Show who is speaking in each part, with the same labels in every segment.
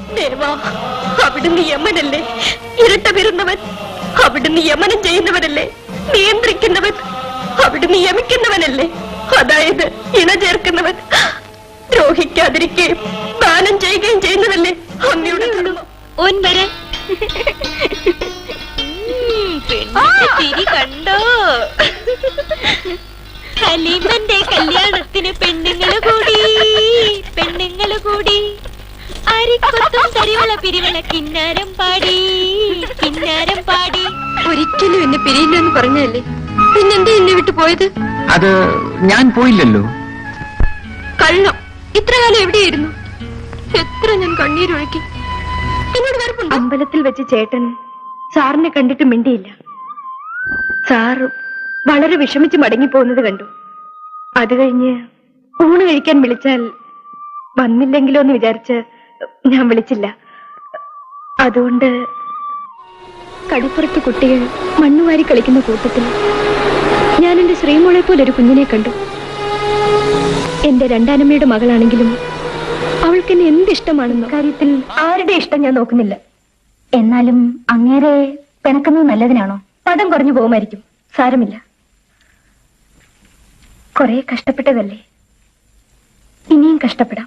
Speaker 1: ദേവാ, അവിടുന്ന് യമനല്ലേ? ഇരട്ട പിറന്നവൻ. അവിടുന്ന് യമനം ചെയ്യുന്നവനല്ലേ? നിയന്ത്രിക്കുന്നവൻ. അവിടുന്ന് യമിക്കുന്നവനല്ലേ? അതായത് ഇണ ചേർക്കുന്നവൻ. ദ്രോഹിക്കാതിരിക്കുകയും ദാനം ചെയ്യുകയും ചെയ്യുന്നതല്ലേ അങ്ങയുടെ ധർമ്മം.
Speaker 2: ചിരി കണ്ടോ? ഹലീമന്റെ കല്യാണത്തിന് പെണ്ണുങ്ങള് കൂടി അരിക്കൊത്തും തരിവള പിരിവള കിന്നാരം പാടി.
Speaker 1: ഒരിക്കലും എന്നെ പിരിയില്ലെന്ന് പറഞ്ഞല്ലേ, പിന്നെന്തേ എന്നെ വിട്ടു പോയത്?
Speaker 3: അത് ഞാൻ പോയില്ലല്ലോ.
Speaker 1: കള്ളം. ഇത്ര കാലം എവിടെയായിരുന്നു? എത്ര ഞാൻ കണ്ണീരൊഴുക്കി. എന്നോട് വെറുപ്പുണ്ട്. അമ്പലത്തിൽ വെച്ച് ചേട്ടൻ സാറിനെ കണ്ടിട്ട് മിണ്ടിയില്ല. സാറ് വളരെ വിഷമിച്ച് മടങ്ങിപ്പോകുന്നത് കണ്ടു. അത് കഴിഞ്ഞ് ഊണ് കഴിക്കാൻ വിളിച്ചാൽ വന്നില്ലെങ്കിലോ എന്ന് വിചാരിച്ച് ഞാൻ വിളിച്ചില്ല. അതുകൊണ്ട് കടിപ്പുറത്ത് കുട്ടികൾ മണ്ണുവാരി കളിക്കുന്ന കൂട്ടത്തിൽ ഞാൻ എന്റെ ശ്രീമോളെ പോലെ ഒരു കുഞ്ഞിനെ കണ്ടു. എന്റെ രണ്ടാനമ്മയുടെ മകളാണെങ്കിലും അവൾക്ക് എന്നെ എന്തിഷ്ടമാണെന്നോ കാര്യത്തിൽ ആരുടെ ഇഷ്ടം ഞാൻ നോക്കുന്നില്ല. എന്നാലും അങ്ങേരെ പിണക്കുന്നത് നല്ലതിനാണോ? പദം കുറഞ്ഞു പോകുമായിരിക്കും. സാരമില്ല, കുറെ കഷ്ടപ്പെട്ടതല്ലേ, ഇനിയും കഷ്ടപ്പെടാം.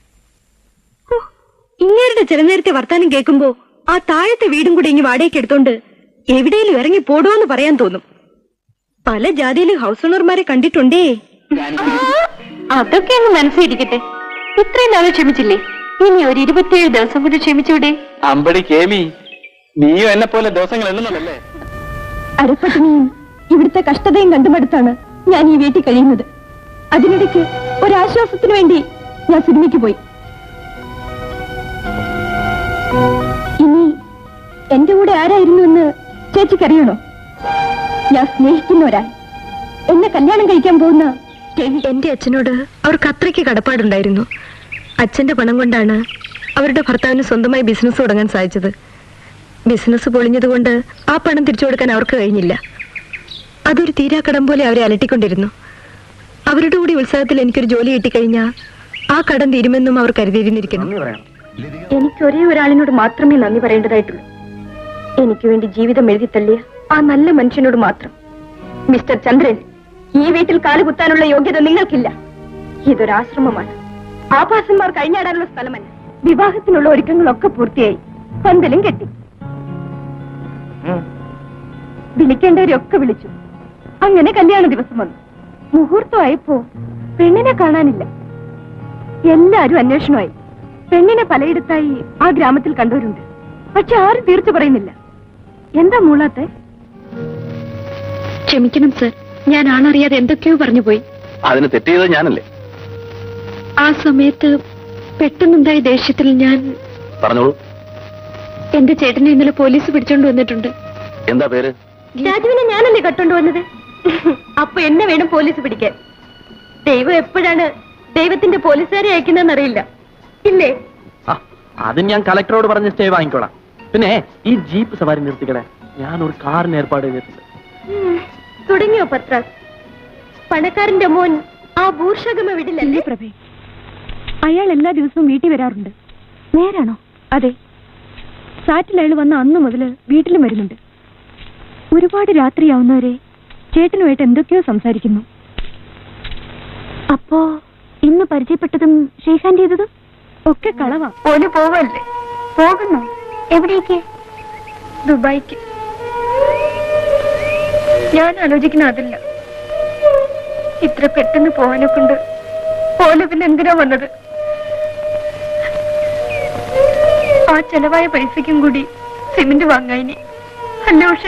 Speaker 1: ഇങ്ങേരുടെ ചില നേരത്തെ വർത്താനം കേൾക്കുമ്പോ ആ താഴത്തെ വീടും കൂടി ഇങ്ങ് വാടകയ്ക്ക് എടുത്തോണ്ട് എവിടെയും ഇറങ്ങി പോടുവെന്ന് പറയാൻ തോന്നും. പല ജാതിയിലും ഹൗസ് ഓണർമാരെ കണ്ടിട്ടുണ്ടേ. അതൊക്കെ അങ്ങ് മനസ്സിരിക്കട്ടെ. ഇത്രയും നാളെ ക്ഷമിച്ചില്ലേ, ഇനി ഒരു 27 ദിവസം കൂടി ക്ഷമിച്ചൂടെ?
Speaker 3: അമ്പടി കേമി, നീയും എന്നെ പോലെ ദിവസങ്ങൾ എണ്ണുന്നതല്ലേ?
Speaker 1: അരപ്പട്ടിണിയും ഇവിടുത്തെ കഷ്ടതയും കണ്ടുമടുത്താണ് ഞാൻ ഈ വീട്ടിൽ കഴിയുന്നത്. അതിനിടയ്ക്ക് ഒരാശ്വാസത്തിന് വേണ്ടി ഞാൻ സിനിമയ്ക്ക് പോയി. ഇനി എന്റെ കൂടെ ആരായിരുന്നു എന്ന് ചേച്ചിക്കറിയണോ? ഞാൻ സ്നേഹിക്കുന്ന ഒരാൾ, എന്നെ കല്യാണം കഴിക്കാൻ പോകുന്ന എന്റെ അച്ഛനോട് അവർക്ക് അത്രയ്ക്ക് കടപ്പാടുണ്ടായിരുന്നു. അച്ഛന്റെ പണം കൊണ്ടാണ് അവരുടെ ഭർത്താവിന് സ്വന്തമായി ബിസിനസ് തുടങ്ങാൻ സാധിച്ചത്. ബിസിനസ് പൊളിഞ്ഞതുകൊണ്ട് ആ പണം തിരിച്ചു കൊടുക്കാൻ അവർക്ക് കഴിഞ്ഞില്ല. അതൊരു തീരാക്കടം പോലെ അവരെ അലട്ടിക്കൊണ്ടിരുന്നു. അവരുടെ കൂടി ഉത്സാഹത്തിൽ എനിക്കൊരു ജോലി കിട്ടിക്കഴിഞ്ഞാൽ ആ കടം തീരുമെന്നും അവർ കരുതിയിരുന്നിരിക്കുന്നു. എനിക്ക് ഒരേ ഒരാളിനോട് മാത്രമേ നന്ദി പറയേണ്ടതായിട്ടുള്ളൂ. എനിക്ക് വേണ്ടി ജീവിതം എഴുതി തള്ളിയ ആ നല്ല മനുഷ്യനോട് മാത്രം. മിസ്റ്റർ ചന്ദ്രൻ, ഈ വീട്ടിൽ കാലുകുത്താനുള്ള യോഗ്യത നിങ്ങൾക്കില്ല. ഇതൊരാശ്രമമാണ്. ആഭാസന്മാർ കഴിഞ്ഞാടാനുള്ള സ്ഥലമല്ല. വിവാഹത്തിനുള്ള ഒരുക്കങ്ങളൊക്കെ പൂർത്തിയായി, പന്തലും കെട്ടി. വിളിക്കേണ്ടവരൊക്കെ വിളിച്ചു. അങ്ങനെ കല്യാണ ദിവസം വന്നു. മുഹൂർത്തമായപ്പോ പെണ്ണിനെ കാണാനില്ല. എല്ലാരും അന്വേഷണമായി. പെണ്ണിനെ പലയിടത്തായി ആ ഗ്രാമത്തിൽ കണ്ടവരുണ്ട്. പക്ഷെ ആരും തീർച്ച പറയുന്നില്ല. എന്താ മൂളാത്തെ? ക്ഷമിക്കണം സർ, ഞാൻ ആണറിയാതെ എന്തൊക്കെയോ പറഞ്ഞു പോയി.
Speaker 3: അതിന് തെറ്റ് ചെയ്തത് ഞാനല്ലേ?
Speaker 1: ആ സമയത്ത് പെട്ടെന്നുണ്ടായ ദേഷ്യത്തിൽ ഞാൻ
Speaker 3: പറഞ്ഞോളൂ.
Speaker 1: എന്റെ ചേട്ടനെ ഇന്നലെ പോലീസ് പിടിച്ചോണ്ട് വന്നിട്ടുണ്ട്.
Speaker 3: എന്താ പേര്?
Speaker 1: രാജുവിനെ ഞാനല്ലേ കട്ടോണ്ട് വന്നത്. അപ്പൊ എന്നെ വേണം പോലീസ് പിടിക്കാൻ. ദൈവം എപ്പോഴാണ് ദൈവത്തിന്റെ പോലീസുകാരെ അയക്കുന്നതെന്ന് അറിയില്ല, ഇല്ലേ?
Speaker 3: അത് ഞാൻ കളക്ടറോട് പറഞ്ഞ് സ്റ്റേ വാങ്ങിക്കോളാം. പിന്നെ ഈ ജീപ്പ് സവാരി നിർത്തിക്കടേ, ഞാൻ ഒരു കാറിന് ഏർപ്പാട് ചെയ്തിട്ടുണ്ട്.
Speaker 1: തുടങ്ങിയോ പത്രാസ്? പണക്കാരന്റെ മോൻ ആ ഭൂർഷകമ വിടില്ലല്ലേ? പ്രഭേ, അയാൾ എല്ലാ ദിവസവും വീട്ടിൽ വരാറുണ്ട്. നേരാണോ? അതെ, സാറ്റിൽ അയാൾ വന്ന അന്ന് മുതൽ വീട്ടിലും വരുന്നുണ്ട്. ഒരുപാട് രാത്രിയാവുന്നവരെ ചേട്ടനുമായിട്ട് എന്തൊക്കെയോ സംസാരിക്കുന്നു. അപ്പോ ഇന്ന് പരിചയപ്പെട്ടതും ഷെയ്ഖാൻ ചെയ്തതും ഒക്കെ കളവാ. ഓന് പോവല്ലേ? പോകുന്നു. എവിടേക്ക്? ദുബായിക്ക്. ഞാൻ ആലോചിക്കുന്ന അതില്ല. ഇത്ര പെട്ടെന്ന് പോവാനെ കൊണ്ട് പോലെ പിന്നെ എന്തിനാ വന്നത്? ആ ചെലവായ പൈസയ്ക്കും കൂടി സിമന്റ് വാങ്ങാനി അല്ല. പക്ഷെ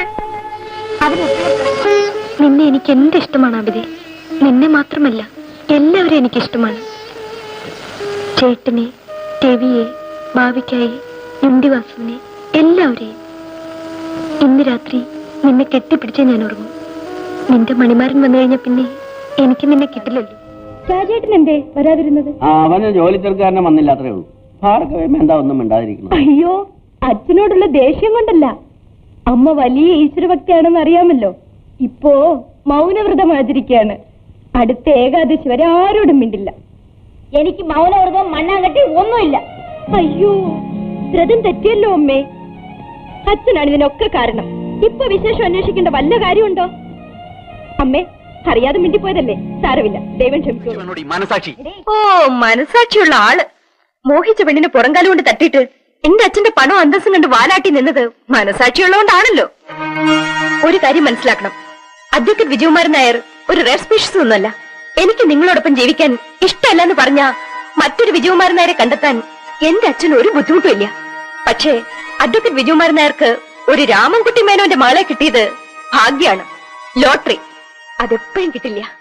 Speaker 1: നിന്നെ എനിക്ക് എന്ത് ഇഷ്ടമാണ് അബിതെ. നിന്നെ മാത്രമല്ല, എല്ലാവരെയും എനിക്കിഷ്ടമാണ്. ചേട്ടനെ, രവിയെ, ഭാവിക്കായി, യുണ്ടിവാസുവിനെ, എല്ലാവരെയും. ഇന്ന് രാത്രി നിന്നെ കെട്ടിപ്പിടിച്ചേ ഞാൻ ഉറങ്ങും. നിന്റെ മണിമാരൻ വന്നു കഴിഞ്ഞ പിന്നെ എനിക്ക് നിന്നെ കിട്ടില്ലല്ലോ. രാജേട്ടൻ എന്തേ വരാതിരുന്നത്?
Speaker 4: അവന് ജോലി തീർക്കാരനെ വന്നില്ല, അത്രേ ഉള്ളൂ. ഭാർഗവം എന്താ ഒന്നും മിണ്ടാതിരിക്കുന്നു?
Speaker 1: അയ്യോ, അച്ഛനോടുള്ള ദേഷ്യം കൊണ്ടല്ല. അമ്മ വലിയ ഈശ്വരഭക്തിയാണെന്ന് അറിയാമല്ലോ. ഇപ്പോ മൗനവ്രതം ആചരിക്കുകയാണ്. അടുത്ത ഏകാദശി വരെ ആരോടും മിണ്ടില്ല.
Speaker 2: എനിക്ക് മൗനവ്രതം മണ്ണാങ്കട്ടി ഒന്നുമില്ല.
Speaker 1: അയ്യോ, വ്രതം തെറ്റിയല്ലോ അമ്മേ. അച്ഛനാണ് ഇതിനൊക്കെ കാരണം. ഇപ്പൊ വിശേഷം അന്വേഷിക്കേണ്ട വല്ല കാര്യമുണ്ടോ? അമ്മേ, അറിയാതെ മിണ്ടിപ്പോയതല്ലേ, സാരമില്ല, ദൈവം ക്ഷമിച്ചോളൂ.
Speaker 3: മനസാക്ഷി.
Speaker 1: ഓ, മനസാക്ഷിയുള്ള ആള് മോഹിച്ച പെണ്ണിന് പുറംകാലം കൊണ്ട് തട്ടിയിട്ട് എന്റെ അച്ഛന്റെ പണം അന്തസ്സും കണ്ട് വാലാട്ടി നിന്നത് മനസാക്ഷിയുള്ളതുകൊണ്ടാണല്ലോ. ഒരു കാര്യം മനസ്സിലാക്കണം, അഡ്വക്കേറ്റ് വിജയകുമാരൻ നായർ ഒരു റെയർ സ്പീഷീസ് ഒന്നുമല്ല. എനിക്ക് നിങ്ങളോടൊപ്പം ജീവിക്കാൻ ഇഷ്ടമല്ലെന്ന് പറഞ്ഞ മറ്റൊരു വിജയകുമാരൻ നായരെ കണ്ടെത്താൻ എന്റെ അച്ഛന് ഒരു ബുദ്ധിമുട്ടും ഇല്ല. പക്ഷേ അഡ്വക്കേറ്റ് വിജയകുമാരൻ നായർക്ക് ഒരു രാമൻകുട്ടി മേനോന്റെ മകളെ കിട്ടിയത് ഭാഗ്യാണ്, ലോട്ടറി. അതെപ്പോഴും കിട്ടില്ല.